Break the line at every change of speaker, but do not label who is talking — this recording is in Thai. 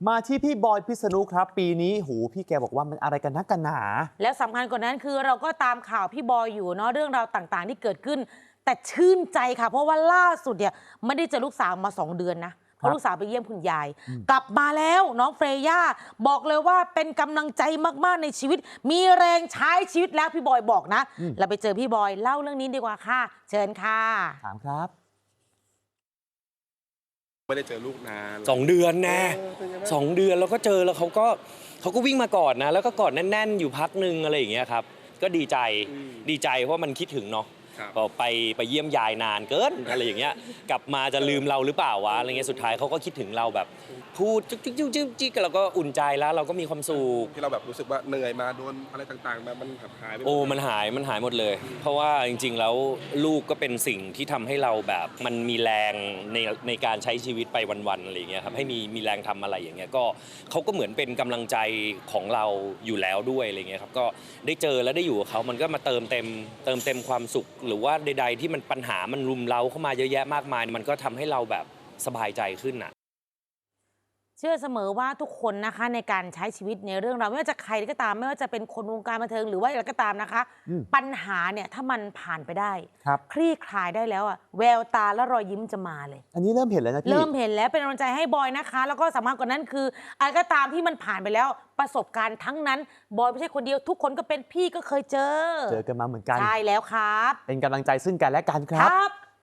มาที่พี่บอยพิษณุครับปีนี้หูพี่แกบอกว่ามันอะไรกันนักกันหนา
แล้วสำคัญกว่านั้นคือเราก็ตามข่าวพี่บอยอยู่เนาะเรื่องราวต่างๆที่เกิดขึ้น แต่ชื่นใจค่ะเพราะว่าล่าสุดเนี่ยไม่ได้เจอลูกสาวมา2 เดือนนะเพราะลูกสาวไปเยี่ยมคุณยาย กลับมาแล้วน้องเฟรย่าบอกเลยว่าเป็นกำลังใจมากๆในชีวิต มีแรงใช้ชีวิตแล้วพี่บอยบอกนะเราไปเจอพี่บอยเล่าเรื่องนี้ดีกว่าค่ะ เชิญค่ะ
ถามครับ
ไม่ได้เจอลูกนาน
2 เดือนนะ2 เดือนแล้วก็เจอแล้วเขาก็วิ่งมากอดนะแล้วก็กอดแน่นๆอยู่พักนึงอะไรอย่างเงี้ยครับก็ดีใจเพราะมันคิดถึงเนาะไปเยี่ยมยายนานเกินอะไรอย่างเงี้ยกลับมาจะลืมเราหรือเปล่าวะอะไรเงี้ยสุดท้ายเขาก็คิดถึงเราแบบพูดจิ๊กเราก็อุ่นใจแล้วเราก็มีความสุข
ที่เราแบบรู้สึกว่าเหนื่อยมาโดนอะไรต่างๆมันหายไป
โอ้มันหายหมดเลยเพราะว่าจริงๆแล้วลูกก็เป็นสิ่งที่ทำให้เราแบบมันมีแรงในการใช้ชีวิตไปวันๆอะไรอย่างเงี้ยครับให้มีแรงทำอะไรอย่างเงี้ยก็เขาก็เหมือนเป็นกำลังใจของเราอยู่แล้วด้วยอะไรเงี้ยครับก็ได้เจอและได้อยู่กับเขามันก็มาเติมเต็มความสุขหรือว่าใดๆที่มันปัญหามันรุมเร้าเข้ามาเยอะแยะมากมายมันก็ทำให้เราแบบสบายใจขึ้นน่ะ
เชื่อเสมอว่าทุกคนนะคะในการใช้ชีวิตในเรื่องราวไม่ว่าจะใครก็ตามไม่ว่าจะเป็นคนวงการบันเทิงหรือว่าอะไรก็ตามนะคะปัญหาเนี่ยถ้ามันผ่านไปได้คลี่คลายได้แล้วอะแววตาและรอยยิ้มจะมาเลย
อันนี้เริ่มเห็นแล้วนะพี่
เริ่มเห็นแล้วเป็นกำลังใจให้บอยนะคะแล้วก็สำคัญกว่านั้นคืออะไรก็ตามที่มันผ่านไปแล้วประสบการณ์ทั้งนั้นบอยไม่ใช่คนเดียวทุกคนก็เป็นพี่ก็เคยเจอ
กันมาเหมือนกัน
ใช่แล้วครับ
เป็นกำลังใจซึ่งกันและกันครับ